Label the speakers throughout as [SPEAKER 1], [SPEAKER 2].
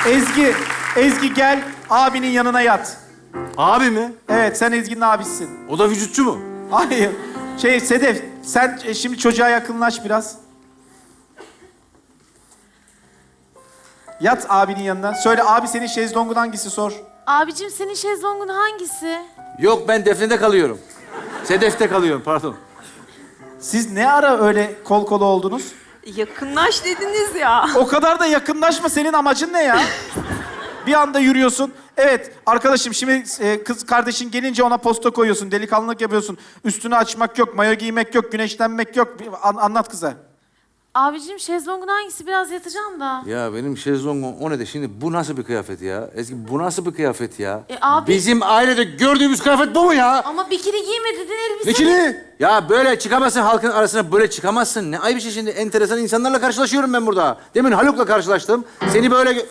[SPEAKER 1] Ezgi gel abinin yanına yat.
[SPEAKER 2] Abi mi?
[SPEAKER 1] Evet, sen Ezgi'nin abisisin.
[SPEAKER 2] O da vücutçu mu?
[SPEAKER 1] Hayır. Sedef, sen şimdi çocuğa yakınlaş biraz. Yat abinin yanına. Söyle, abi senin şezlongun hangisi sor.
[SPEAKER 3] Abicim senin şezlongun hangisi?
[SPEAKER 2] Yok, ben Defne'de kalıyorum. Sedef'te kalıyorum, pardon.
[SPEAKER 1] Siz ne ara öyle kol kola oldunuz?
[SPEAKER 4] Yakınlaş dediniz ya.
[SPEAKER 1] O kadar da yakınlaşma, senin amacın ne ya? Bir anda yürüyorsun. Evet arkadaşım, şimdi kız kardeşin gelince ona posta koyuyorsun, delikanlılık yapıyorsun. Üstünü açmak yok, mayo giymek yok, güneşlenmek yok. Anlat kıza.
[SPEAKER 3] Abicim şezlongun hangisi? Biraz yatacağım da.
[SPEAKER 2] Ya benim şezlongum o ne de şimdi bu nasıl bir kıyafet ya? Ezgi bu nasıl bir kıyafet ya?
[SPEAKER 3] Abi...
[SPEAKER 2] Bizim ailede gördüğümüz kıyafet bu mu ya?
[SPEAKER 3] Ama bikini giyme dedin, elbise...
[SPEAKER 2] Bikini? Ya böyle çıkamazsın, halkın arasına böyle çıkamazsın. Ne ayıp bir şey şimdi, enteresan insanlarla karşılaşıyorum ben burada. Demin Haluk'la karşılaştım. Seni böyle...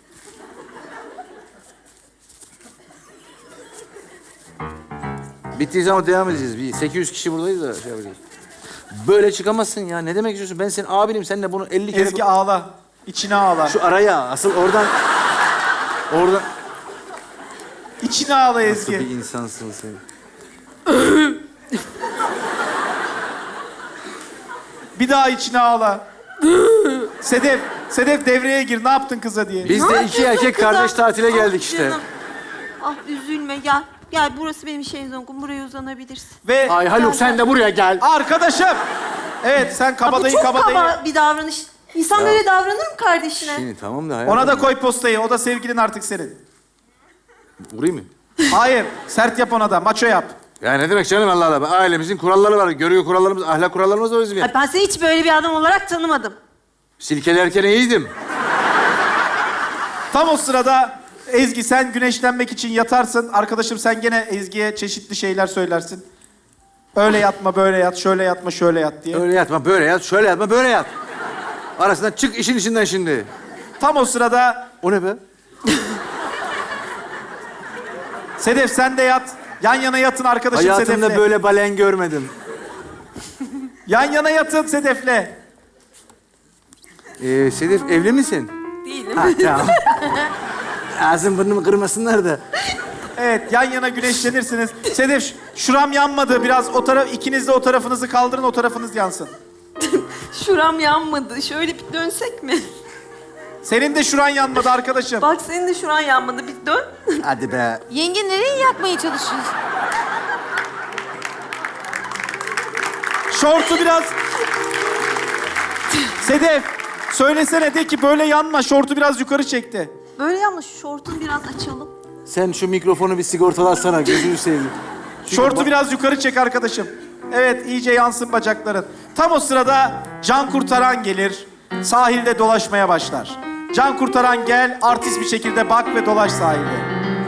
[SPEAKER 2] Bittiği zaman devam edeceğiz. Bir 800 kişi buradayız da şey yapacağız. Böyle çıkamazsın ya. Ne demek istiyorsun? Ben senin abinim. Sen de bunu 50 kere...
[SPEAKER 1] Ezgi ağla. İçine ağla.
[SPEAKER 2] Şu araya, asıl oradan... Oradan...
[SPEAKER 1] İçine ağla
[SPEAKER 2] Nasıl
[SPEAKER 1] Ezgi.
[SPEAKER 2] bir insansın sen?
[SPEAKER 1] Bir daha içine ağla. Sedef devreye gir. Ne yaptın kıza diye.
[SPEAKER 2] Biz de iki erkek
[SPEAKER 4] kıza?
[SPEAKER 2] kardeş tatile geldik işte.
[SPEAKER 4] Canım. Ah üzülme gel. Gel burası benim şezlongum. Buraya uzanabilirsin.
[SPEAKER 1] Ve
[SPEAKER 2] Ay Haluk sen de buraya gel.
[SPEAKER 1] arkadaşım. Evet, sen
[SPEAKER 4] Bu
[SPEAKER 1] kabadayı
[SPEAKER 4] çok
[SPEAKER 1] kabadayı.
[SPEAKER 4] kaba bir davranış. İnsan böyle davranır mı kardeşine?
[SPEAKER 2] Şimdi tamam da hayatım.
[SPEAKER 1] Ona da koy postayı. O da sevgilin artık senin.
[SPEAKER 2] Vurayım mı?
[SPEAKER 1] Hayır. Sert yap ona da. Maço yap.
[SPEAKER 2] Ya ne demek canım Allah Allah. Ailemizin kuralları var. Görüyor kurallarımız, ahlak kurallarımız var bizim ya.
[SPEAKER 4] Ay, ben seni hiç böyle bir adam olarak tanımadım.
[SPEAKER 2] Silkelerken iyiydim.
[SPEAKER 1] Tam o sırada Ezgi sen güneşlenmek için yatarsın. Arkadaşım sen gene Ezgi'ye çeşitli şeyler söylersin. Öyle yatma, böyle yat, şöyle yatma, şöyle yat diye.
[SPEAKER 2] Öyle yatma, böyle yat, şöyle yatma, böyle yat. Arasından çık işin içinden şimdi.
[SPEAKER 1] Tam o sırada
[SPEAKER 2] O ne be?
[SPEAKER 1] Sedef sen de yat. Yan yana yatın arkadaşım
[SPEAKER 2] Hayatımda
[SPEAKER 1] Sedef'le.
[SPEAKER 2] böyle balen görmedim.
[SPEAKER 1] Yan yana yatın Sedef'le.
[SPEAKER 2] Sedef evli misin?
[SPEAKER 4] Değilim.
[SPEAKER 2] Ha tamam. Ağzım burnumu kırmasınlar da.
[SPEAKER 1] Evet, yan yana güneşlenirsiniz. Sedef, şuram yanmadı. Biraz o taraf, ikiniz de o tarafınızı kaldırın, o tarafınız yansın.
[SPEAKER 4] Şuram yanmadı. Şöyle bir dönsek mi?
[SPEAKER 1] Senin de şuran yanmadı arkadaşım.
[SPEAKER 4] Bak senin de şuran yanmadı. Bir dön.
[SPEAKER 2] Hadi be.
[SPEAKER 3] Yenge nereye yakmaya çalışıyorsun?
[SPEAKER 1] Şortu biraz... Sedef, söylesene de ki böyle yanma. Şortu biraz yukarı çekti.
[SPEAKER 4] Böyle yanma. Şu şortunu biraz açalım.
[SPEAKER 2] Sen şu mikrofonu bir sigortalarsana, gözünü seveyim.
[SPEAKER 1] Şortu biraz yukarı çek arkadaşım. Evet, iyice yansın bacakların. Tam o sırada can kurtaran gelir. Sahilde dolaşmaya başlar. Can kurtaran gel, artist bir şekilde bak ve dolaş sahilde.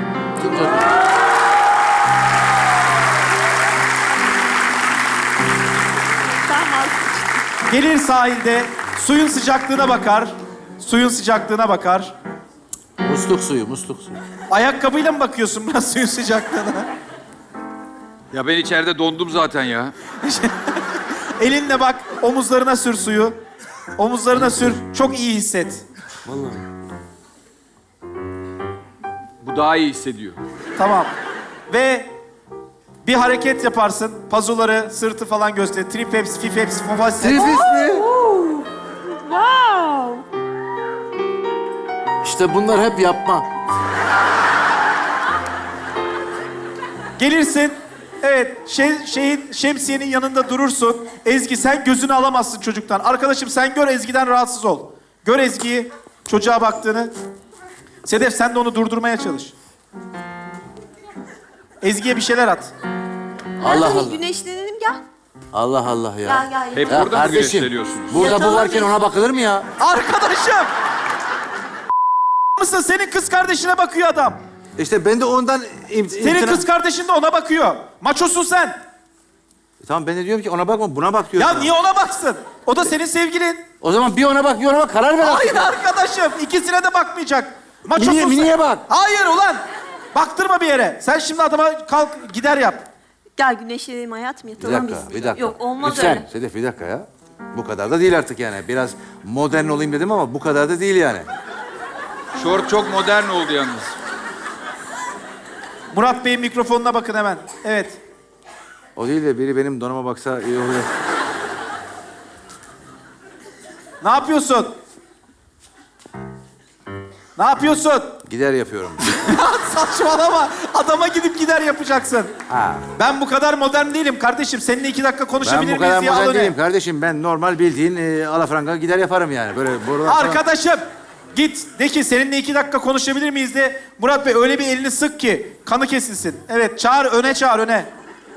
[SPEAKER 4] Tamam.
[SPEAKER 1] Gelir sahilde, suyun sıcaklığına bakar. Suyun sıcaklığına bakar.
[SPEAKER 2] Musluk suyu, musluk suyu.
[SPEAKER 1] Ayakkabıyla mı bakıyorsun biraz suyun sıcaklığına?
[SPEAKER 5] Ya ben içeride dondum zaten ya.
[SPEAKER 1] Elinle bak, omuzlarına sür suyu. Omuzlarına sür, çok iyi hisset.
[SPEAKER 2] Vallahi.
[SPEAKER 5] Bu daha iyi hissediyor.
[SPEAKER 1] Tamam. Ve bir hareket yaparsın. Pazuları, sırtı falan göster. Triceps, biceps, triceps.
[SPEAKER 2] Trifis mi?
[SPEAKER 4] Wow.
[SPEAKER 2] İşte bunlar hep yapma.
[SPEAKER 1] Gelirsin. Evet, şemsiyenin yanında durursun. Ezgi sen gözünü alamazsın çocuktan. Arkadaşım sen gör Ezgi'den rahatsız ol. Gör Ezgi'yi, çocuğa baktığını. Sedef sen de onu durdurmaya çalış. Ezgi'ye bir şeyler at.
[SPEAKER 2] Allah
[SPEAKER 4] Hadi
[SPEAKER 2] Allah.
[SPEAKER 4] güneşlenelim gel.
[SPEAKER 2] Allah Allah ya.
[SPEAKER 4] Gel gel.
[SPEAKER 5] Hep
[SPEAKER 2] Ya
[SPEAKER 5] burada mı
[SPEAKER 2] kardeşim,
[SPEAKER 5] güneşleniyorsunuz?
[SPEAKER 2] burada bu
[SPEAKER 4] Yatalım
[SPEAKER 2] varken
[SPEAKER 4] biz.
[SPEAKER 2] ona bakılır mı ya?
[SPEAKER 1] Arkadaşım! mısın? Senin kız kardeşine bakıyor adam.
[SPEAKER 2] İşte ben de ondan...
[SPEAKER 1] Senin kız kardeşin de ona bakıyor. Maçosun sen.
[SPEAKER 2] Tamam ben de diyorum ki ona bakma, buna bak diyorum.
[SPEAKER 1] Ya niye ona baksın? O da senin sevgilin.
[SPEAKER 2] O zaman bir ona bak, bir ona bak. Karar ver artık.
[SPEAKER 1] Hayır arkadaşım. İkisine de bakmayacak. Maçosun sen.
[SPEAKER 2] Niye bak?
[SPEAKER 1] Hayır ulan. Baktırma bir yere. Sen şimdi adama kalk gider yap.
[SPEAKER 4] Gel güneşlenelim hayatım
[SPEAKER 2] Bir
[SPEAKER 4] yatalım
[SPEAKER 2] dakika,
[SPEAKER 4] biz.
[SPEAKER 2] bir dakika.
[SPEAKER 4] Yok olmaz
[SPEAKER 2] Lütfen,
[SPEAKER 4] öyle.
[SPEAKER 2] Sedef bir dakika ya. Bu kadar da değil artık yani. Biraz modern olayım dedim ama bu kadar da değil yani.
[SPEAKER 5] Şort çok modern oldu yalnız.
[SPEAKER 1] Murat Bey'in mikrofonuna bakın hemen. Evet.
[SPEAKER 2] O değil de biri benim donuma baksa iyi olur.
[SPEAKER 1] Ne yapıyorsun? Ne yapıyorsun?
[SPEAKER 2] Gider yapıyorum.
[SPEAKER 1] Saçmalama. Adama gidip gider yapacaksın.
[SPEAKER 2] Ha.
[SPEAKER 1] Ben bu kadar modern değilim kardeşim. Seninle 2 dakika
[SPEAKER 2] Ben
[SPEAKER 1] konuşabilir
[SPEAKER 2] bu kadar
[SPEAKER 1] miyiz diye al
[SPEAKER 2] modern
[SPEAKER 1] öne.
[SPEAKER 2] değilim kardeşim. Ben normal bildiğin alafranga gider yaparım yani. Böyle borular falan.
[SPEAKER 1] Arkadaşım git de ki seninle 2 dakika konuşabilir miyiz de Murat Bey öyle bir elini sık ki kanı kesilsin. Evet çağır öne çağır öne.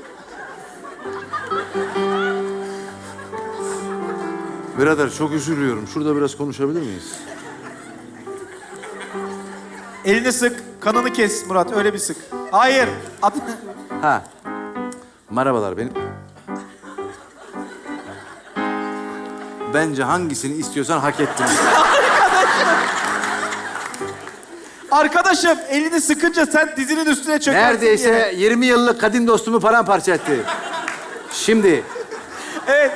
[SPEAKER 2] Birader çok üzülüyorum. Şurada biraz konuşabilir miyiz?
[SPEAKER 1] Elini sık kanını kes Murat öyle bir sık. Hayır.
[SPEAKER 2] Ha. Merhabalar benim. Bence hangisini istiyorsan hak ettin.
[SPEAKER 1] Arkadaşım elini sıkınca sen dizinin üstüne çökersin diye.
[SPEAKER 2] Neredeyse 20 yıllık kadim dostumu paramparça etti. Şimdi
[SPEAKER 1] Evet.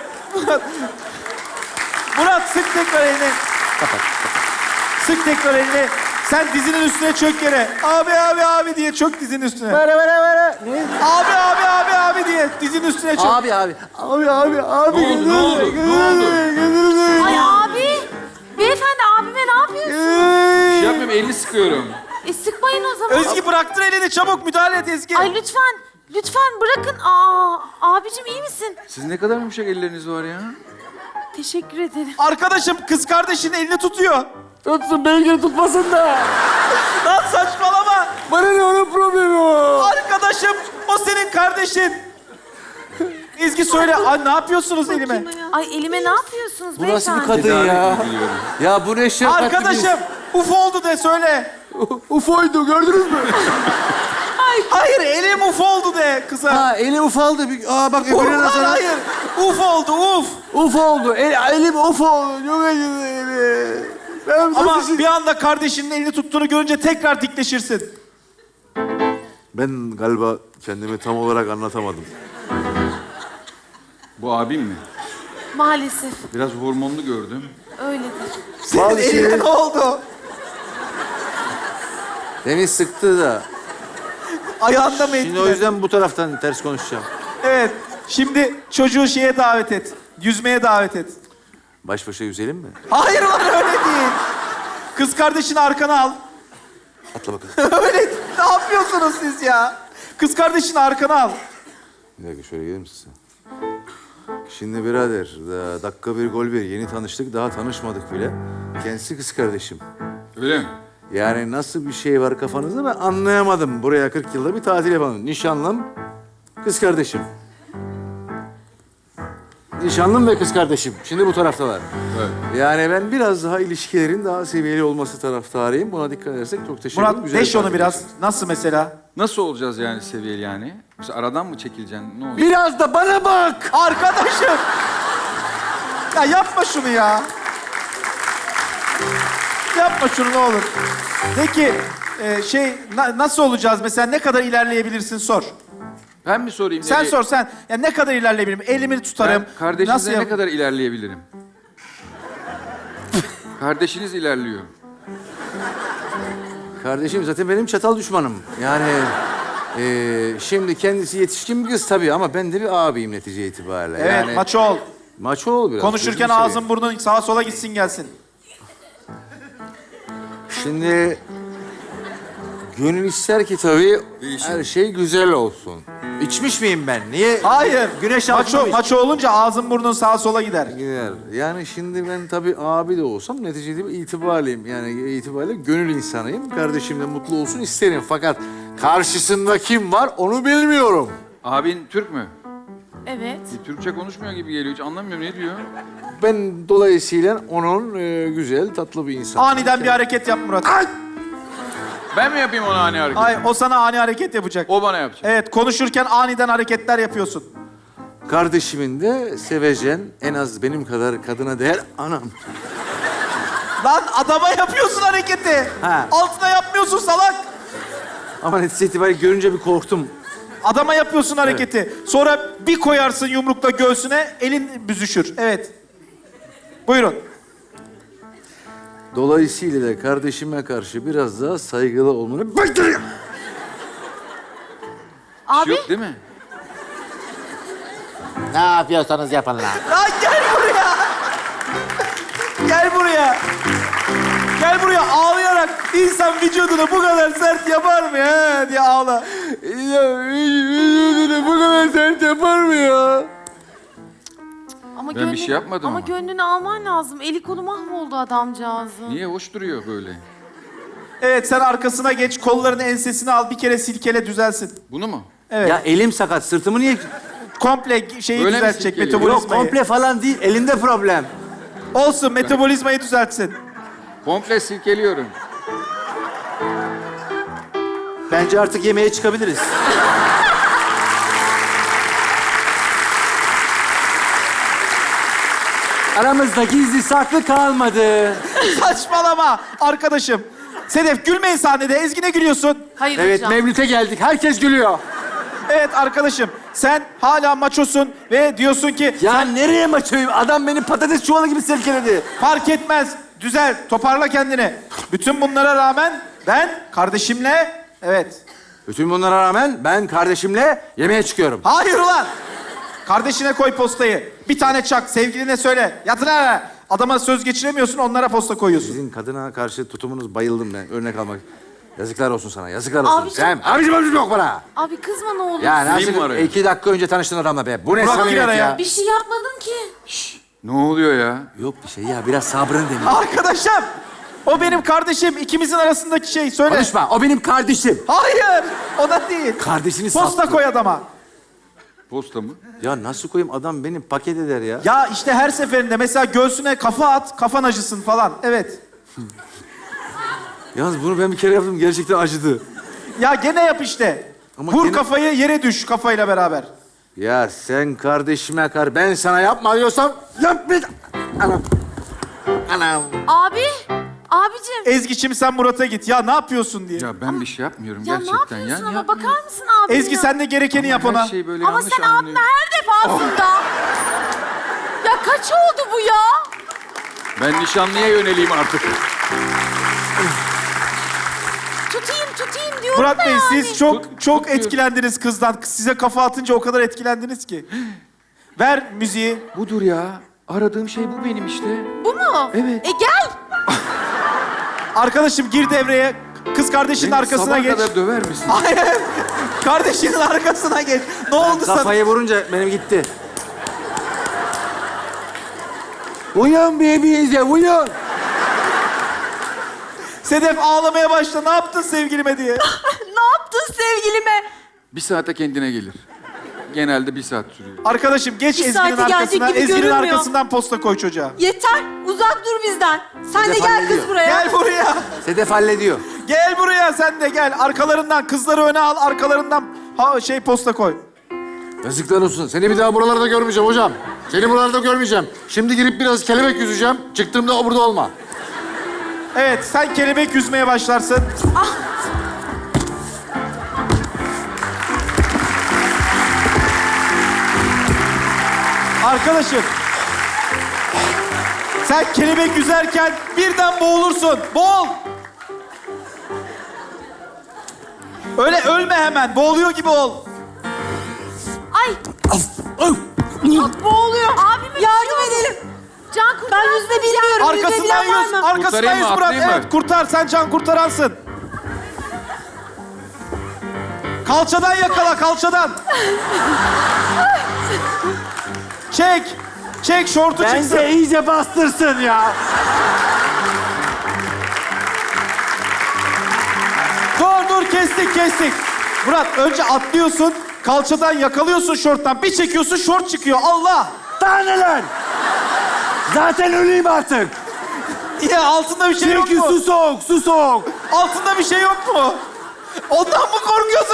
[SPEAKER 1] Murat sık tekrar elini. Sık tekrar elini. Sen dizinin üstüne çök yere. Abi diye çök dizinin üstüne.
[SPEAKER 2] Böyle. Ne?
[SPEAKER 1] Abi diye dizinin üstüne çök.
[SPEAKER 2] Abi.
[SPEAKER 5] Ne oldu? Ne oldu?
[SPEAKER 3] Ay abi. Beyefendi abime ne yapıyorsun?
[SPEAKER 5] Bir şey yapmıyorum, elini sıkıyorum.
[SPEAKER 3] Sıkmayın o zaman.
[SPEAKER 1] Ezgi bıraktır elini çabuk müdahale et Ezgi.
[SPEAKER 3] Ay lütfen. Lütfen bırakın. Aa, abicim iyi misin?
[SPEAKER 5] Siz ne kadar yumuşak elleriniz var ya.
[SPEAKER 3] Teşekkür ederim.
[SPEAKER 1] Arkadaşım kız kardeşinin elini tutuyor.
[SPEAKER 2] Tutsun belki tutmasın da.
[SPEAKER 1] Lan saçmalama.
[SPEAKER 2] Bana ne onun problemi o?
[SPEAKER 1] Arkadaşım o senin kardeşin. Ezgi söyle. Ay ne yapıyorsunuz elime?
[SPEAKER 3] Ay elime ne yapıyorsunuz
[SPEAKER 2] Bu nasıl bir
[SPEAKER 3] beyefendi?
[SPEAKER 2] kadın ya?
[SPEAKER 5] Biliyorum.
[SPEAKER 2] Ya bu ne şefkatli bir-
[SPEAKER 1] Arkadaşım uf oldu de söyle.
[SPEAKER 2] Ufoydu gördünüz mü?
[SPEAKER 1] Hayır elim uf oldu de kıza.
[SPEAKER 2] Ha eli ufaldı. Bak
[SPEAKER 1] Uf,
[SPEAKER 2] öbürüne
[SPEAKER 1] lan,
[SPEAKER 2] nasıl?
[SPEAKER 1] hayır. Uf oldu uf.
[SPEAKER 2] Uf oldu. Elim uf oldu. Çok acıdı eli. Ben
[SPEAKER 1] Ama
[SPEAKER 2] nasıl-
[SPEAKER 1] bir anda kardeşinin elini tuttuğunu görünce tekrar dikleşirsin.
[SPEAKER 2] Ben galiba kendimi tam olarak anlatamadım.
[SPEAKER 5] Bu abim mi?
[SPEAKER 3] Maalesef
[SPEAKER 5] Biraz hormonlu gördüm.
[SPEAKER 3] öyledir.
[SPEAKER 1] Senin
[SPEAKER 2] Bazı
[SPEAKER 1] eline
[SPEAKER 2] şeyleri-
[SPEAKER 1] ne oldu?
[SPEAKER 2] Demin sıktı da.
[SPEAKER 1] Ayağında mı
[SPEAKER 2] Şimdi o
[SPEAKER 1] etkiledi?
[SPEAKER 2] yüzden bu taraftan ters konuşacağım.
[SPEAKER 1] Evet. Şimdi çocuğu şeye davet et. Yüzmeye davet et.
[SPEAKER 2] Baş başa yüzelim mi?
[SPEAKER 1] Hayır lan öyle değil. Kız kardeşini arkana al.
[SPEAKER 2] Atla bakalım.
[SPEAKER 1] Öyle ne yapıyorsunuz siz ya? Kız kardeşini arkana al.
[SPEAKER 2] Bir dakika şöyle gelir misin sen? Şimdi birader, dakika bir gol bir. Yeni tanıştık, daha tanışmadık bile. Kendisi kız kardeşim.
[SPEAKER 5] Öyle mi?
[SPEAKER 2] Yani nasıl bir şey var kafanızda ben anlayamadım. Buraya 40 yılda bir tatil yapalım. Nişanlım, kız kardeşim. Nişanlım ve kız kardeşim. Şimdi bu taraftalar.
[SPEAKER 5] Evet.
[SPEAKER 2] Yani ben biraz daha ilişkilerin daha seviyeli olması taraftarıyım. Buna dikkat edersek çok teşekkür ederim.
[SPEAKER 1] Murat deş onu biraz. Nasıl mesela?
[SPEAKER 5] Nasıl olacağız yani seviyeli yani? Mesela aradan mı çekileceksin? Ne olacak?
[SPEAKER 2] Biraz da bana bak!
[SPEAKER 1] Arkadaşım. Ya yapma şunu ya. Yapma şunu ne olur. Peki nasıl olacağız mesela ne kadar ilerleyebilirsin sor.
[SPEAKER 5] Ben mi sorayım?
[SPEAKER 1] Sen
[SPEAKER 5] nereye?
[SPEAKER 1] sor sen. Ya ne kadar ilerleyebilirim? Elimi tutarım.
[SPEAKER 5] Ben kardeşinizle
[SPEAKER 1] yap-
[SPEAKER 5] ne kadar ilerleyebilirim? Kardeşiniz ilerliyor.
[SPEAKER 2] Kardeşim zaten benim çatal düşmanım. Yani şimdi kendisi yetişkin bir kız tabii ama ben de bir abiyim netice itibariyle.
[SPEAKER 1] Evet
[SPEAKER 2] yani,
[SPEAKER 1] maço ol.
[SPEAKER 2] Maço ol biraz.
[SPEAKER 1] Konuşurken
[SPEAKER 2] gözünü
[SPEAKER 1] ağzın
[SPEAKER 2] seveyim.
[SPEAKER 1] burnun sağa sola gitsin gelsin.
[SPEAKER 2] Şimdi gönül ister ki tabii
[SPEAKER 5] Değişim.
[SPEAKER 2] her şey güzel olsun. İçmiş miyim ben? Niye?
[SPEAKER 1] Hayır.
[SPEAKER 2] Güneş
[SPEAKER 1] maço,
[SPEAKER 2] altında mı
[SPEAKER 1] maço olunca ağzın burnun sağa sola gider.
[SPEAKER 2] Gider. Yani şimdi ben tabii abi de olsam neticede itibarlıyım. Yani itibariyle gönül insanıyım. Kardeşim de mutlu olsun isterim. Fakat karşısında kim var onu bilmiyorum.
[SPEAKER 5] Abin Türk mü?
[SPEAKER 3] Evet.
[SPEAKER 5] Türkçe konuşmuyor gibi geliyor. Hiç anlamıyorum. Ne diyor?
[SPEAKER 2] Ben dolayısıyla onun güzel, tatlı bir insan.
[SPEAKER 1] Aniden bir hareket yap Murat.
[SPEAKER 5] Ben mi yapayım ona hani hareket?
[SPEAKER 1] Hayır o sana ani hareket yapacak.
[SPEAKER 5] O bana yapacak.
[SPEAKER 1] Evet konuşurken aniden hareketler yapıyorsun.
[SPEAKER 2] Kardeşimin de sevecen, en az benim kadar kadına değer anam.
[SPEAKER 1] Lan adama yapıyorsun hareketi.
[SPEAKER 2] Ha.
[SPEAKER 1] Altına yapmıyorsun salak.
[SPEAKER 2] Ama netice itibariyle görünce bir korktum.
[SPEAKER 1] Adama yapıyorsun hareketi. Sonra bir koyarsın yumrukla göğsüne elin büzüşür. Evet. Buyurun.
[SPEAKER 2] Dolayısıyla da kardeşime karşı biraz daha saygılı olmanı bekliyorum.
[SPEAKER 5] Bir
[SPEAKER 3] Abi
[SPEAKER 5] şey yok değil mi?
[SPEAKER 6] Ne yapıyorsanız yapın lan.
[SPEAKER 1] Lan gel buraya. Gel buraya. Gel buraya ağlayarak insan vücudunu bu kadar sert yapar mı ya diye ağla.
[SPEAKER 2] Ya vücudunu bu kadar sert yapar mı ya?
[SPEAKER 3] ama
[SPEAKER 5] Ben bir şey yapmadım
[SPEAKER 3] ama
[SPEAKER 5] ama.
[SPEAKER 3] gönlünü alman lazım. Eli kolu mahvoldu adamcağızın.
[SPEAKER 5] Niye hoş duruyor böyle?
[SPEAKER 1] Evet sen arkasına geç, kollarını ensesine al, bir kere silkele düzelsin.
[SPEAKER 5] Bunu mu?
[SPEAKER 1] Evet.
[SPEAKER 2] Ya elim sakat, sırtımı niye...
[SPEAKER 1] Komple şeyi
[SPEAKER 5] Öyle mi
[SPEAKER 1] düzeltecek,
[SPEAKER 5] silkeliyor?
[SPEAKER 1] metabolizmayı.
[SPEAKER 2] Yok komple falan değil, elimde problem.
[SPEAKER 1] Olsun, metabolizmayı düzeltsin.
[SPEAKER 5] Komple silkeliyorum.
[SPEAKER 2] Bence artık yemeğe çıkabiliriz. Aramızda gizli saklı kalmadı.
[SPEAKER 1] Saçmalama arkadaşım. Sedef gülmeyin sahnede. Ezgi ne gülüyorsun?
[SPEAKER 3] Hayır
[SPEAKER 2] Evet,
[SPEAKER 3] hocam.
[SPEAKER 2] Mevlüt'e geldik. Herkes gülüyor.
[SPEAKER 1] Evet arkadaşım. Sen hala maçosun ve diyorsun ki
[SPEAKER 2] Ya nereye maçoyum? Adam beni patates çuvalı gibi silkeledi.
[SPEAKER 1] fark etmez. Düzel, toparla kendini. Bütün bunlara rağmen ben kardeşimle... Evet.
[SPEAKER 2] Bütün bunlara rağmen ben kardeşimle yemeğe çıkıyorum.
[SPEAKER 1] Hayır ulan. Kardeşine koy postayı. Bir tane çak, sevgiline söyle. Yatın ha. Adama söz geçiremiyorsun, onlara posta koyuyorsun.
[SPEAKER 2] Sizin kadına karşı tutumunuz bayıldım ben. Örnek almak. Yazıklar olsun sana, yazıklar olsun.
[SPEAKER 3] Abicim.
[SPEAKER 2] Sen, abicim yok bana.
[SPEAKER 3] Abi kızma ne olur.
[SPEAKER 2] Ya
[SPEAKER 5] Neyim var
[SPEAKER 2] nasıl?
[SPEAKER 5] ya?
[SPEAKER 2] 2 dakika önce tanıştın adamla be. Bu ne
[SPEAKER 1] Burak, gir
[SPEAKER 2] samimiyet
[SPEAKER 1] araya.
[SPEAKER 2] ya?
[SPEAKER 3] Bir şey yapmadın ki.
[SPEAKER 5] Ne oluyor ya?
[SPEAKER 2] Yok bir şey ya, biraz sabrını dene.
[SPEAKER 1] Arkadaşım. O benim kardeşim. İkimizin arasındaki şey. Söyle.
[SPEAKER 2] Konuşma, o benim kardeşim.
[SPEAKER 1] Hayır. O da değil.
[SPEAKER 2] Kardeşini
[SPEAKER 1] Posta
[SPEAKER 2] sattı.
[SPEAKER 1] koy adama.
[SPEAKER 5] Posta mı?
[SPEAKER 2] Ya nasıl koyayım, adam benim paket eder ya.
[SPEAKER 1] Ya işte her seferinde mesela göğsüne kafa at, kafan acısın falan. Evet.
[SPEAKER 2] Yalnız bunu ben bir kere yaptım, gerçekten acıdı.
[SPEAKER 1] Ya gene yap işte.
[SPEAKER 2] Ama
[SPEAKER 1] Vur
[SPEAKER 2] gene-
[SPEAKER 1] kafayı, yere düş kafayla beraber.
[SPEAKER 2] Ya sen kardeşime ben sana yapma diyorsam yap bir... Anam. Anam.
[SPEAKER 3] Abi. Abicim.
[SPEAKER 1] Ezgi'cim sen Murat'a git. Ya ne yapıyorsun diye.
[SPEAKER 5] Ya ben bir şey yapmıyorum
[SPEAKER 3] Ya ne
[SPEAKER 5] gerçekten
[SPEAKER 3] yapıyorsun
[SPEAKER 5] ya.
[SPEAKER 3] ama
[SPEAKER 5] Yapmıyorum.
[SPEAKER 3] bakar mısın abi?
[SPEAKER 1] Ezgi sen de gerekeni yap ona.
[SPEAKER 5] Her şey böyle
[SPEAKER 3] Ama
[SPEAKER 5] yanlış
[SPEAKER 3] sen abime
[SPEAKER 5] anlıyor.
[SPEAKER 3] her defasında. Ya kaç oldu bu ya?
[SPEAKER 5] Ben nişanlıya yöneleyim artık.
[SPEAKER 3] Tutayım diyorum
[SPEAKER 1] Murat
[SPEAKER 3] da
[SPEAKER 1] Bey
[SPEAKER 3] yani.
[SPEAKER 1] siz çok
[SPEAKER 5] Tutuyor.
[SPEAKER 1] etkilendiniz kızdan. Size kafa atınca o kadar etkilendiniz ki. Ver müziği.
[SPEAKER 5] Budur ya. Aradığım şey bu benim işte.
[SPEAKER 3] Bu mu?
[SPEAKER 5] Evet.
[SPEAKER 3] Gel.
[SPEAKER 1] Arkadaşım gir devreye. Kız kardeşinin
[SPEAKER 5] Beni
[SPEAKER 1] arkasına
[SPEAKER 5] sabaha
[SPEAKER 1] geç.
[SPEAKER 5] kadar döver misin?
[SPEAKER 1] Hayır. Kardeşinin arkasına geç. Ne oldu sana?
[SPEAKER 2] Kafayı vurunca benim gitti. Uyan bebeğize, uyan.
[SPEAKER 1] Sedef ağlamaya başla. Ne yaptın sevgilime diye.
[SPEAKER 4] Ne yaptın sevgilime?
[SPEAKER 5] Bir saate kendine gelir. Genelde 1 saat sürüyor.
[SPEAKER 1] Arkadaşım geç
[SPEAKER 4] Bir
[SPEAKER 1] Ezgi'nin
[SPEAKER 4] saate gelecek
[SPEAKER 1] arkasına.
[SPEAKER 4] gibi
[SPEAKER 1] Ezgi'nin
[SPEAKER 4] görünmüyor.
[SPEAKER 1] arkasından posta koy çocuğa.
[SPEAKER 4] Yeter. Uzak dur bizden. Sen de
[SPEAKER 2] Sedef
[SPEAKER 4] gel
[SPEAKER 2] hallediyor.
[SPEAKER 4] kız buraya.
[SPEAKER 1] Gel buraya.
[SPEAKER 2] Sedef hallediyor.
[SPEAKER 1] Gel buraya sen de gel. Arkalarından kızları öne al. Arkalarından posta koy.
[SPEAKER 2] Yazıklar olsun. Seni bir daha buralarda görmeyeceğim hocam. Seni buralarda görmeyeceğim. Şimdi girip biraz kelebek yüzeceğim. Çıktığımda o burada olma.
[SPEAKER 1] Evet sen kelebek yüzmeye başlarsın. Arkadaşım. Sen kelebek yüzerken birden boğulursun. Boğul. Öyle ölme hemen. Boğuluyor gibi ol.
[SPEAKER 3] Ay.
[SPEAKER 4] Boğuluyor.
[SPEAKER 3] Abime bir
[SPEAKER 4] Yardım
[SPEAKER 3] şey oldu.
[SPEAKER 4] edelim.
[SPEAKER 3] Can kurtar.
[SPEAKER 4] Ben yüzme bilmiyorum.
[SPEAKER 1] Arkasından
[SPEAKER 4] Yüzebilen var
[SPEAKER 1] yüz.
[SPEAKER 4] mı?
[SPEAKER 1] Arkasından
[SPEAKER 5] Kurtarayım
[SPEAKER 1] yüz
[SPEAKER 5] mı,
[SPEAKER 1] Murat.
[SPEAKER 5] atlayayım mı?
[SPEAKER 1] Evet kurtar. Sen can kurtaransın. Kalçadan yakala kalçadan. Çek. Çek şortu çıksın.
[SPEAKER 2] Bence iyice bastırsın ya.
[SPEAKER 1] Dur kestik. Murat önce atlıyorsun. Kalçadan yakalıyorsun şorttan. Bir çekiyorsun şort çıkıyor. Allah.
[SPEAKER 2] Taneler. Zaten öleyim artık.
[SPEAKER 1] Ya altında bir şey yok
[SPEAKER 2] Çünkü
[SPEAKER 1] mu?
[SPEAKER 2] su soğuk.
[SPEAKER 1] Altında bir şey yok mu? Ondan mı korkuyorsun?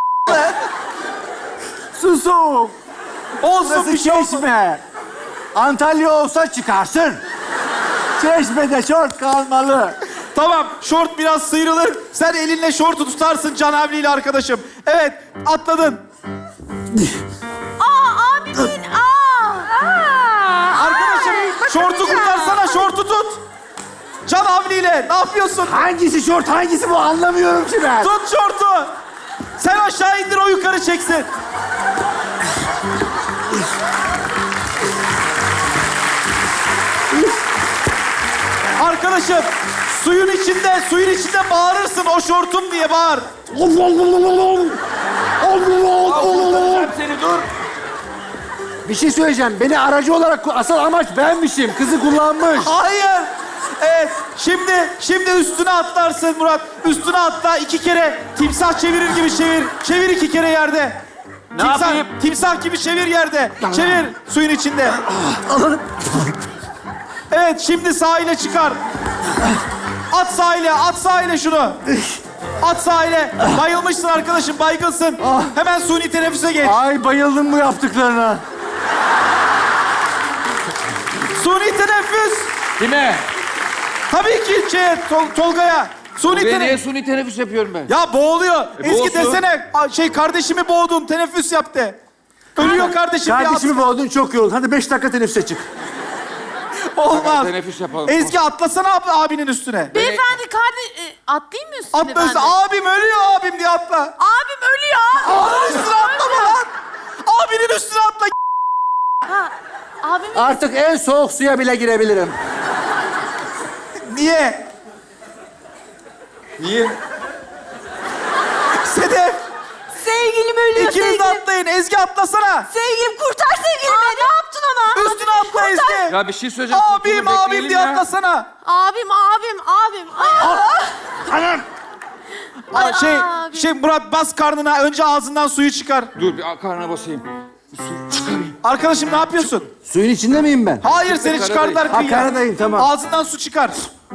[SPEAKER 2] Su soğuk.
[SPEAKER 1] Olsun
[SPEAKER 2] Burası
[SPEAKER 1] bir şey olmaz.
[SPEAKER 2] Çeşme. Antalya olsa çıkarsın. Çeşme'de şort kalmalı.
[SPEAKER 1] Tamam, şort biraz sıyrılır. Sen elinle şortu tutarsın Can Havli'yle arkadaşım. Evet, atladın.
[SPEAKER 3] Abimin.
[SPEAKER 1] Arkadaşım, şortu kurtarsana, şortu tut. Can Hasan havliyle. Ne yapıyorsun?
[SPEAKER 6] Hangisi şort, hangisi bu anlamıyorum ki ben.
[SPEAKER 1] Tut şortu. Sen aşağı indir, o yukarı çeksin. Arkadaşım, suyun içinde bağırırsın, o şortum diye bağır.
[SPEAKER 5] Seni dur.
[SPEAKER 6] Bir şey söyleyeceğim. Beni aracı olarak asıl amaç benmişim. Kızı kullanmış.
[SPEAKER 1] Hayır. Evet, şimdi üstüne atlarsın Murat. Üstüne atla, 2 kere timsah çevirir gibi çevir. Çevir 2 kere yerde.
[SPEAKER 5] yapayım?
[SPEAKER 1] Timsah gibi çevir yerde. Çevir suyun içinde. Evet, şimdi sahile çıkar. At sahile şunu. At sahile. Bayılmışsın arkadaşım, baygınsın. Hemen suni teneffüse geç.
[SPEAKER 6] Ay bayıldım bu yaptıklarına.
[SPEAKER 1] Suni teneffüs.
[SPEAKER 5] Kime?
[SPEAKER 1] Tabii ki Tolga'ya. Suni
[SPEAKER 5] Buraya niye
[SPEAKER 1] teneffüs.
[SPEAKER 5] suni teneffüs yapıyorum ben?
[SPEAKER 1] Ya boğuluyor. Ezgi
[SPEAKER 5] boğulsun.
[SPEAKER 1] desene, kardeşimi boğdun, teneffüs yap de. Ölüyor kardeşim.
[SPEAKER 6] Kardeşimi boğdun, çok yoruldun. Hadi 5 dakika teneffüse çık.
[SPEAKER 1] Olmaz.
[SPEAKER 5] Teneffüs yapalım.
[SPEAKER 1] Ezgi atlasana abinin üstüne.
[SPEAKER 3] Beyefendi atlayayım mı üstüne
[SPEAKER 1] Atla
[SPEAKER 3] ben
[SPEAKER 1] üstüne.
[SPEAKER 3] de?
[SPEAKER 1] Abim ölüyor, abim diye atla.
[SPEAKER 3] Abim ölüyor.
[SPEAKER 1] Abinin üstüne atlama lan. Abinin üstüne atla.
[SPEAKER 3] Ha, abim
[SPEAKER 6] Artık en soğuk suya bile girebilirim.
[SPEAKER 1] Niye?
[SPEAKER 5] Niye?
[SPEAKER 1] Sedef.
[SPEAKER 4] Sevgilim ölüyor,
[SPEAKER 1] İkiniz de
[SPEAKER 4] sevgilim.
[SPEAKER 1] atlayın. Ezgi atlasana.
[SPEAKER 4] Sevgilim kurtar sevgilimi. Ne yaptın ona?
[SPEAKER 1] Üstüne atla Ezgi.
[SPEAKER 5] Ya bir şey söyleyeceğim.
[SPEAKER 1] Abim
[SPEAKER 5] Kurtulun,
[SPEAKER 1] abim
[SPEAKER 5] bekleyelim
[SPEAKER 1] diye
[SPEAKER 5] ya.
[SPEAKER 1] atlasana.
[SPEAKER 3] abim. Abim.
[SPEAKER 1] Murat bas karnına. Önce ağzından suyu çıkar.
[SPEAKER 5] Dur bir karnına basayım. Bir su çıkarayım.
[SPEAKER 1] Arkadaşım ne yapıyorsun?
[SPEAKER 6] Suyun içinde miyim ben?
[SPEAKER 1] Hayır, seni
[SPEAKER 5] karadayım.
[SPEAKER 1] çıkardılar
[SPEAKER 6] Ha,
[SPEAKER 1] kıyıya.
[SPEAKER 6] karadayım, tamam.
[SPEAKER 1] Ağzından su çıkar.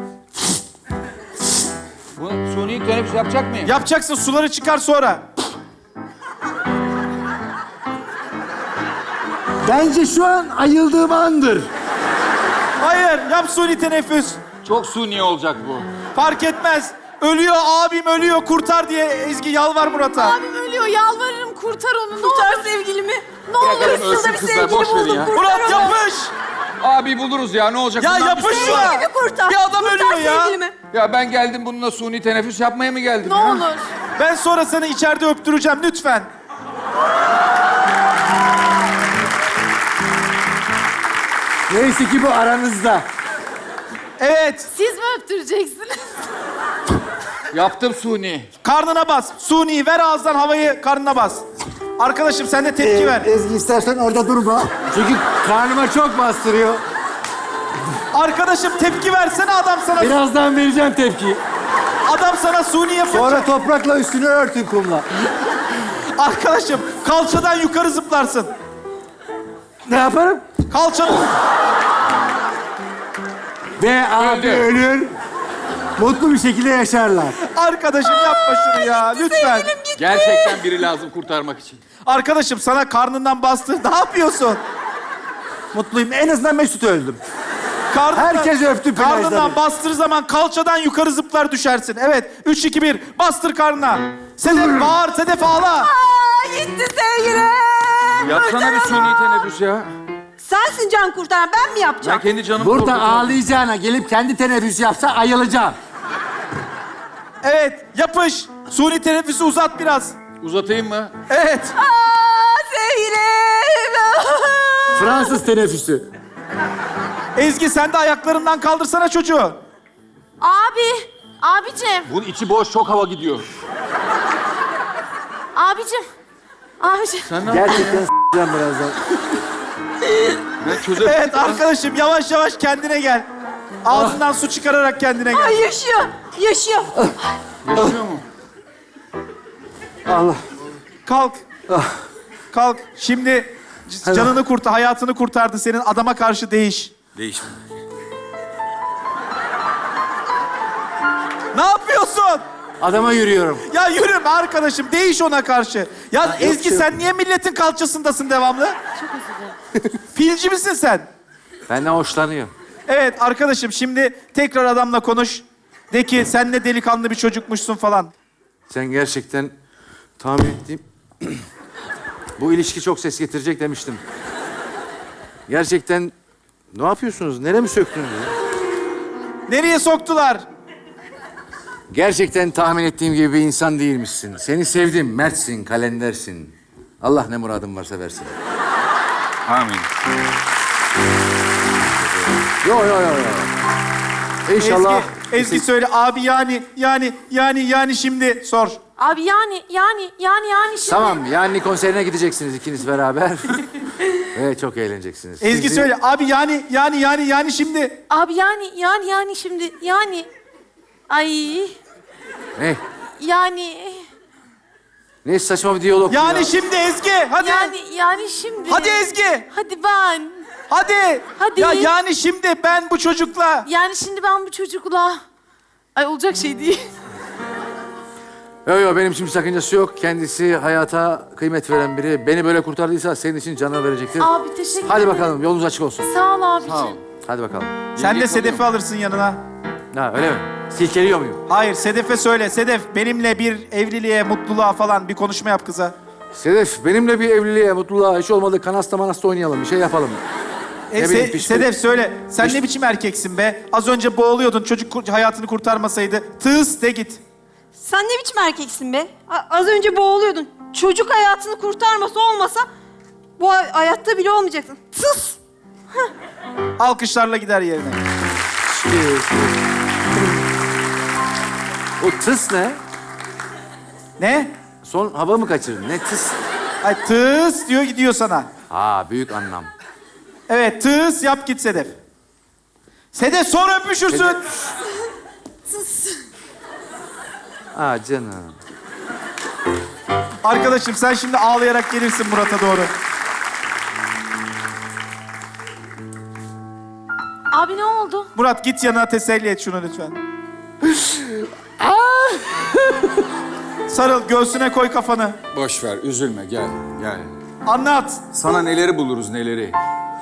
[SPEAKER 5] Bu suni teneffüs yapacak mıyım?
[SPEAKER 1] Yapacaksın, suları çıkar sonra.
[SPEAKER 6] Bence şu an ayıldığım andır.
[SPEAKER 1] Hayır, yap suni teneffüs.
[SPEAKER 5] Çok suni olacak bu.
[SPEAKER 1] Fark etmez. Ölüyor, abim ölüyor. Kurtar diye Ezgi yalvar Murat'a.
[SPEAKER 3] Abim ölüyor. Yalvarırım kurtar onu. Ne
[SPEAKER 4] Kurtar
[SPEAKER 3] olur.
[SPEAKER 4] sevgilimi.
[SPEAKER 3] Ne olur.
[SPEAKER 5] Bırakın ölsün
[SPEAKER 4] Şurada bir
[SPEAKER 5] kızlar,
[SPEAKER 4] sevgili
[SPEAKER 5] boş verin
[SPEAKER 4] buldum.
[SPEAKER 5] ya.
[SPEAKER 4] Kurtar
[SPEAKER 1] Murat
[SPEAKER 4] onu.
[SPEAKER 1] yapış.
[SPEAKER 5] Abi buluruz ya, ne olacak?
[SPEAKER 1] Ya
[SPEAKER 5] Bundan
[SPEAKER 1] yapış
[SPEAKER 5] bir şey-
[SPEAKER 1] şuna.
[SPEAKER 4] Sevgilimi kurtar.
[SPEAKER 1] Bir adam
[SPEAKER 4] kurtar
[SPEAKER 1] ölüyor ya.
[SPEAKER 4] sevgilimi.
[SPEAKER 5] Ya ben geldim bununla suni teneffüs yapmaya mı geldim
[SPEAKER 3] Ne
[SPEAKER 5] ya?
[SPEAKER 3] olur.
[SPEAKER 1] Ben sonra seni içeride öptüreceğim lütfen.
[SPEAKER 6] Neyse ki bu aranızda.
[SPEAKER 1] Evet,
[SPEAKER 3] Siz mi öptüreceksiniz?
[SPEAKER 5] Yaptım suni.
[SPEAKER 1] karnına bas. Suni ver, ağızdan havayı karnına bas. Arkadaşım sen de tepki ver.
[SPEAKER 6] Ezgi istersen orada durma. Çünkü karnıma çok bastırıyor.
[SPEAKER 1] Arkadaşım tepki versene, adam sana
[SPEAKER 6] Birazdan vereceğim tepkiyi.
[SPEAKER 1] suni yapınca.
[SPEAKER 6] Sonra toprakla üstünü örtün kumla.
[SPEAKER 1] Arkadaşım kalçadan yukarı zıplarsın.
[SPEAKER 6] Ne yaparım?
[SPEAKER 1] Kalçadan.
[SPEAKER 6] Ve abi
[SPEAKER 5] Öldü.
[SPEAKER 6] ölür. Mutlu bir şekilde yaşarlar.
[SPEAKER 1] Arkadaşım yapma şunu ya lütfen.
[SPEAKER 5] Gerçekten biri lazım kurtarmak için.
[SPEAKER 1] Arkadaşım sana karnından bastı. Ne yapıyorsun?
[SPEAKER 6] Mutluyum. En azından Mesut öldüm.
[SPEAKER 1] Karnından,
[SPEAKER 6] Herkes öptü plajda.
[SPEAKER 1] Karnından bastır zaman kalçadan yukarı zıplar düşersin. Evet. 3, 2, 1. Bastır karnına. Sedef bağır. Sedef ağla.
[SPEAKER 4] Aa, gitti sevgilim.
[SPEAKER 5] Yapsana bir suni teneffüs ya.
[SPEAKER 4] Sensin can kurtaran, ben mi yapacağım?
[SPEAKER 5] Ben kendi canımı
[SPEAKER 6] Burada
[SPEAKER 5] korkutuyorum.
[SPEAKER 6] ağlayacağına gelip kendi teneffüs yapsa ayılacağım.
[SPEAKER 1] Evet. Yapış. Suni teneffüsü uzat biraz.
[SPEAKER 5] Uzatayım mı?
[SPEAKER 1] Evet.
[SPEAKER 4] Aa, sevgilim.
[SPEAKER 6] Fransız teneffüsü.
[SPEAKER 1] Ezgi sen de ayaklarından kaldırsana çocuğu.
[SPEAKER 3] Abicim.
[SPEAKER 5] Bunun içi boş, çok hava gidiyor.
[SPEAKER 3] Abicim.
[SPEAKER 5] Sen ne yapıyorsun?
[SPEAKER 6] Gerçekten s**eceğim birazdan.
[SPEAKER 5] Ben çözerim.
[SPEAKER 1] Evet arkadaşım yavaş yavaş kendine gel. Ağzından su çıkararak kendine gel.
[SPEAKER 4] Ay yaşıyor, yaşıyor.
[SPEAKER 5] Yaşıyor mu?
[SPEAKER 6] Allah.
[SPEAKER 1] Kalk. Kalk. Şimdi canını kurtar, hayatını kurtardı senin. Adama karşı değiş.
[SPEAKER 5] Değişme.
[SPEAKER 1] Ne yapıyorsun?
[SPEAKER 6] Adama yürüyorum.
[SPEAKER 1] Ya yürüme arkadaşım. Değiş ona karşı. Ya Ezgi
[SPEAKER 6] yok.
[SPEAKER 1] sen niye milletin kalçasındasın devamlı?
[SPEAKER 3] Çok özür dilerim.
[SPEAKER 1] Filci misin sen?
[SPEAKER 6] Benden hoşlanıyor.
[SPEAKER 1] Evet arkadaşım şimdi tekrar adamla konuş. De ki sen ne delikanlı bir çocukmuşsun falan.
[SPEAKER 2] Sen gerçekten tahmin ettiğim... Bu ilişki çok ses getirecek demiştim. Gerçekten ne yapıyorsunuz? Nereye mi söktünüz ya?
[SPEAKER 1] Nereye soktular?
[SPEAKER 2] Gerçekten tahmin ettiğim gibi bir insan değilmişsin. Seni sevdim, mertsin, kalendersin. Allah ne muradın varsa versin.
[SPEAKER 5] Amin.
[SPEAKER 2] Yo. İnşallah.
[SPEAKER 1] Ezgi söyle abi yani şimdi sor.
[SPEAKER 3] Abi yani şimdi.
[SPEAKER 2] Tamam, yani konserine gideceksiniz ikiniz beraber. Ve çok eğleneceksiniz.
[SPEAKER 1] Ezgi
[SPEAKER 2] Sizi-
[SPEAKER 1] söyle abi yani şimdi.
[SPEAKER 3] Abi yani şimdi yani. Ay
[SPEAKER 2] Ne?
[SPEAKER 3] yani.
[SPEAKER 2] Ne saçma bir diyalog
[SPEAKER 1] Yani
[SPEAKER 2] ya.
[SPEAKER 1] şimdi Ezgi hadi.
[SPEAKER 3] Yani şimdi.
[SPEAKER 1] Hadi Ezgi.
[SPEAKER 3] Hadi ben.
[SPEAKER 1] Hadi.
[SPEAKER 3] Hadi.
[SPEAKER 1] Ya yani şimdi ben bu çocukla.
[SPEAKER 3] Yani şimdi ben bu çocukla... Ay olacak şey değil.
[SPEAKER 2] Yo benim için bir sakıncası yok. Kendisi hayata kıymet veren biri. Beni böyle kurtardıysa senin için canını verecektir.
[SPEAKER 3] Abi teşekkür
[SPEAKER 2] Hadi
[SPEAKER 3] ederim.
[SPEAKER 2] bakalım yolunuz açık olsun.
[SPEAKER 3] Sağ ol abicim.
[SPEAKER 5] Sağ ol.
[SPEAKER 2] Hadi bakalım.
[SPEAKER 1] Sen de Sedef'i alırsın yanına.
[SPEAKER 2] Ha öyle mi? Silkeliyor muyum?
[SPEAKER 1] Hayır Sedef'e söyle. Sedef benimle bir evliliğe, mutluluğa falan bir konuşma yap kıza.
[SPEAKER 2] Sedef benimle bir evliliğe, mutluluğa, hiç olmadı kanasta manasta oynayalım. Bir şey yapalım. Ne bileyim, pişti-
[SPEAKER 1] Sedef söyle. Sen ne biçim erkeksin be? Az önce boğuluyordun. Çocuk hayatını kurtarmasaydı. Tıs de git.
[SPEAKER 4] Sen ne biçim erkeksin be? Az önce boğuluyordun. Çocuk hayatını kurtarması olmasa bu hayatta bile olmayacaksın. Tıs!
[SPEAKER 1] Alkışlarla gider yerine.
[SPEAKER 2] O tıs ne?
[SPEAKER 1] Ne?
[SPEAKER 2] Son hava mı kaçırdın? Ne tıs?
[SPEAKER 1] Ay tıs diyor gidiyor sana.
[SPEAKER 2] Ha büyük anlam.
[SPEAKER 1] Evet tıs yap git Sedef. Sedef sonra öpüşürsün.
[SPEAKER 2] Ha canım.
[SPEAKER 1] Arkadaşım sen şimdi ağlayarak gelirsin Murat'a doğru.
[SPEAKER 3] Abi ne oldu?
[SPEAKER 1] Murat git yanına teselli et şunu lütfen. Sarıl göğsüne koy kafanı.
[SPEAKER 5] Boş ver, üzülme. Gel.
[SPEAKER 1] Anlat.
[SPEAKER 5] Sana neleri buluruz, neleri.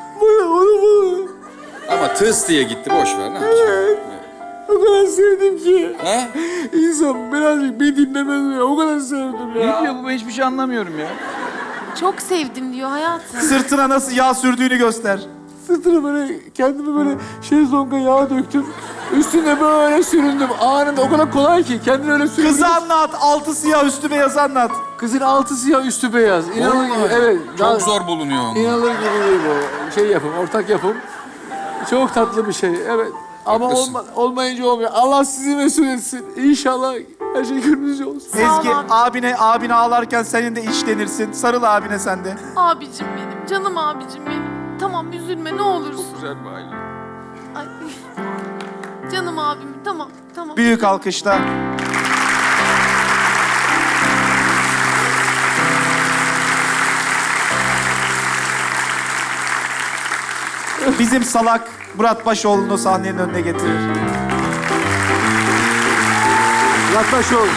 [SPEAKER 5] Ama tıs diye gitti, boş ver. Ne yapacaksın?
[SPEAKER 6] O kadar sevdim ki.
[SPEAKER 5] He?
[SPEAKER 6] İnsan birazcık beni dinlemez ya. O kadar sevdim ya.
[SPEAKER 5] Ne diyor bu? Ben hiçbir şey anlamıyorum ya.
[SPEAKER 3] Çok sevdim diyor hayatım.
[SPEAKER 1] Sırtına nasıl yağ sürdüğünü göster.
[SPEAKER 6] Sırtına böyle kendimi böyle şezlonga yağ döktüm. Üstüne böyle süründüm. Anında o kadar kolay ki kendini öyle süründüm.
[SPEAKER 1] Kızı anlat. Altı siyah üstü beyaz anlat.
[SPEAKER 6] Kızın altı siyah üstü beyaz. İnanılır gibi. Evet.
[SPEAKER 5] Çok zor bulunuyor onlar.
[SPEAKER 6] İnanılır gibi değil bu. Şey yapım, ortak yapım. Çok tatlı bir şey. Evet. Ama
[SPEAKER 5] Haklısın.
[SPEAKER 6] olmayınca olmuyor. Allah sizi mesul etsin. İnşallah her şey gönlünüzce olsun.
[SPEAKER 3] Sağ ol
[SPEAKER 1] Ezgi
[SPEAKER 3] abi.
[SPEAKER 1] abine ağlarken senin de içlenirsin. Sarıl abine sen de.
[SPEAKER 3] Abicim benim, canım abicim benim. Tamam üzülme ne olursun.
[SPEAKER 5] Güzel bir aile.
[SPEAKER 3] Ay. Canım abim tamam.
[SPEAKER 1] Büyük alkışla. Bizim salak Murat Başoğlu'nu sahnenin önüne getirir.
[SPEAKER 6] Yaklaş ol.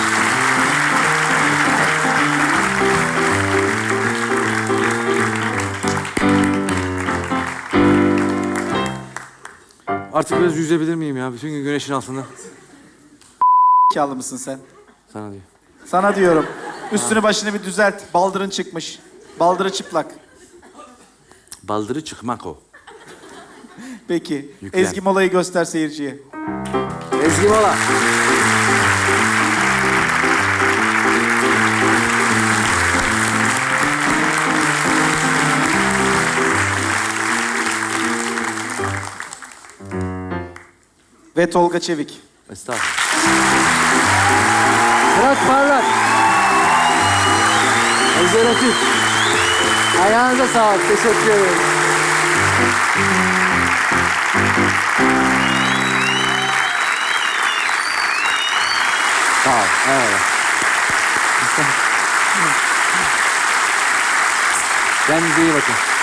[SPEAKER 2] Artık biraz yüzebilir miyim ya? Bütün gün güneşin altında.
[SPEAKER 1] Zekalı mısın sen?
[SPEAKER 2] Sana diyor.
[SPEAKER 1] Sana diyorum. Üstünü başını bir düzelt. Baldırın çıkmış. Baldırı çıplak.
[SPEAKER 2] Baldırı çıkmak o.
[SPEAKER 1] Peki.
[SPEAKER 2] Yüklen.
[SPEAKER 1] Ezgi molayı göster seyirciye.
[SPEAKER 2] Ezgi Mola.
[SPEAKER 1] Ve Tolga Çevik.
[SPEAKER 2] Estağfurullah.
[SPEAKER 6] Fırat Parlak. Özel Akif. Ayağınıza sağlık. Teşekkür ederim.
[SPEAKER 2] Sağ ol. Evet. Kendinize iyi bakın.